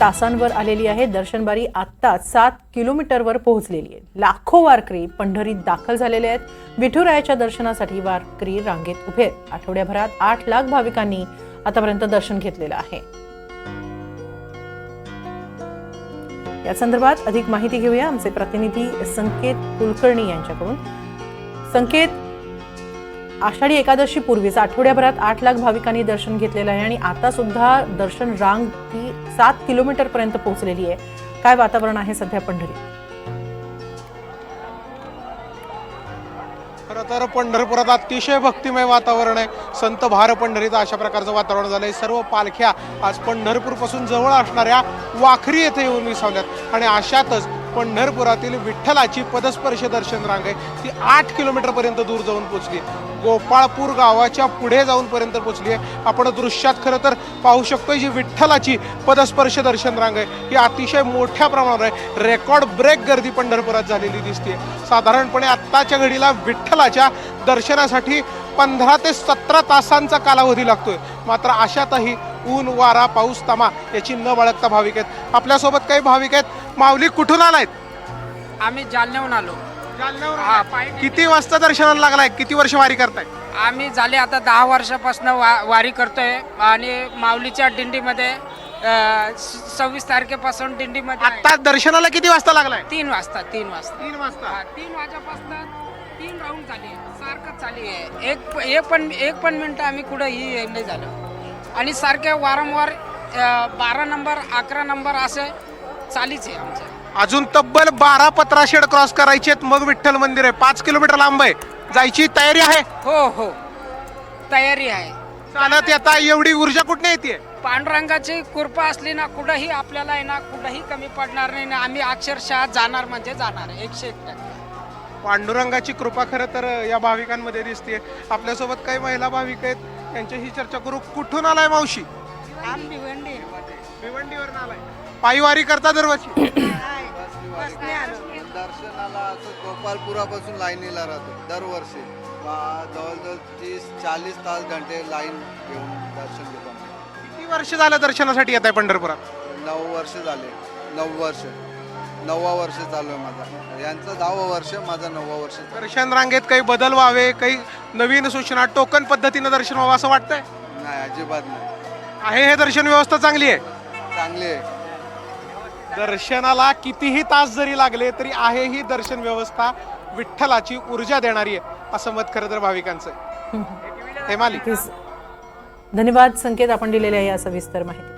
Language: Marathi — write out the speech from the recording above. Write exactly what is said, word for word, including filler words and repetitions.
तासांवर आलेली आहे। दर्शनबारी आता सात किलोमीटरवर पोहोचलेली आहे। लाखो वारकरी पंढरीत दाखल झालेले आहेत। विठुरायाच्या दर्शनासाठी वारकरी रांगेत उभे आहेत। आठवड्याभरात आठ लाख भाविकांनी आतापर्यंत दर्शन घेतलेलं आहे। या संदर्भात अधिक माहिती घेऊया आमचे प्रतिनिधी संकेत कुलकर्णी यांच्याकडून। संकेत, आषाढी एकादशी पूर्वीच आठवड्याभरात आठ लाख भाविकांनी दर्शन घेतलेलं आहे आणि आता सुद्धा दर्शन रांग ही सात किलोमीटर पर्यंत पोहोचलेली आहे। काय वातावरण आहे सध्या पंढरीत? खरं तर पंढरपुरात अतिशय भक्तिमय वातावरण आहे। संत भार पंढरीत अशा प्रकारचं वातावरण झालंय। सर्व पालख्या आज पंढरपूर पासून जवळ असणाऱ्या वाखरी येथे येऊन विसावल्यात आणि अशातच पंढरपुरातील विठ्ठलाची पदस्पर्श दर्शन रांग आहे ती आठ किलोमीटर पर्यंत दूर जाऊन पोहोचली। गोपाळपूर गावाच्या पुढे जाऊन पर्यंत पोहोचली आहे। आपण दृश्यात खरं तर पाहू शकतोय जी विठ्ठलाची पदस्पर्श दर्शन रांग आहे ही अतिशय मोठ्या प्रमाणावर आहे। रेकॉर्ड ब्रेक गर्दी पंढरपुरात झालेली दिसते। साधारणपणे आत्ताच्या घडीला विठ्ठलाच्या दर्शनासाठी पंधरा ते सतरा तासांचा कालावधी लागतोय। मात्र अशातही ऊन वारा पाऊस तमा याची न बाळगता भाविक आहेत। आपल्यासोबत काही भाविक आहेत। माऊली, कुठून आलायत? आम्ही जालन्याहून आलो। जालन्यावर हा, आलाय? पायी- किती वाजता दर्शनाला लागलाय? किती वर्ष वारी करताय? आम्ही झाले आता दहा वर्षापासून वा वारी करतोय आणि माऊलीच्या दिंडीमध्ये अ, स- सव्वीस तारखेपासून दिंडीमध्ये आहे. आता दर्शनाला किती वाजता लागलाय? तीन वाजता तीन वाजता तीन वाजता। हा, तीन वाजेपासून तीन राऊंड झाली सारखं चालू आहे। एक एक पण एक पण मिनिट आम्ही कुठंही नाही झालं आणि सारख्या वारंवार अ, बारा नंबर अकरा नंबर असं चालीच आहे आमचं। अजून तब्बल बारा पत्राशेड क्रॉस करायचे मग विठ्ठल मंदिर आहे। पाच किलोमीटर लांब आहे। जायची तयारी आहे? हो हो तयारी आहे। चालत येता एवढी ऊर्जा कुठे येते? पांडुरंगाची कृपा असली ना कुठंही आपल्याला आहे ना कुठंही कमी पडणार नाही ना। आम्ही अक्षरशः जाणार म्हणजे जाणार एकशे एक टक्के। पांडुरंगाची कृपा खरं तर या भाविकांमध्ये दिसते। आपल्यासोबत काही महिला भाविक आहेत, त्यांच्याशी चर्चा करू। कुठून आलाय मावशी? आम्ही भिवंडी भिवंडीवरून आलाय। पायी वारी करता दरवर्षी? दर्शनाला असं गोपालपुरापासून लाईनीला राहतो दरवर्षी। बा- जवळजवळ तीस चाळीस तास घंटे लाईन घेऊन दर्शन घेतो आम्ही। किती वर्ष झालं दर्शनासाठी येत आहे पंढरपुरात? नऊ वर्ष झाले। नऊ वर्ष नववा वर्ष चालू आहे माझा। यांचं दहावं वर्ष, माझं नववा वर्ष चालू आहे. दर्शन रांगेत काही बदल व्हावे, काही नवीन सूचना, टोकन पद्धतीनं दर्शन व्हावं असं वाटतंय? नाही, अजिबात नाही। आहे हे दर्शन व्यवस्था चांगली आहे? चांगली आहे। दर्शनाला कितीही तास जरी लागले तरी आहे ही दर्शन व्यवस्था विठ्ठलाची ऊर्जा देणारी आहे असं मत खरं तर भाविकांचं आहे। हेमाली, धन्यवाद संकेत, आपण दिलेल्या या सविस्तर माहिती।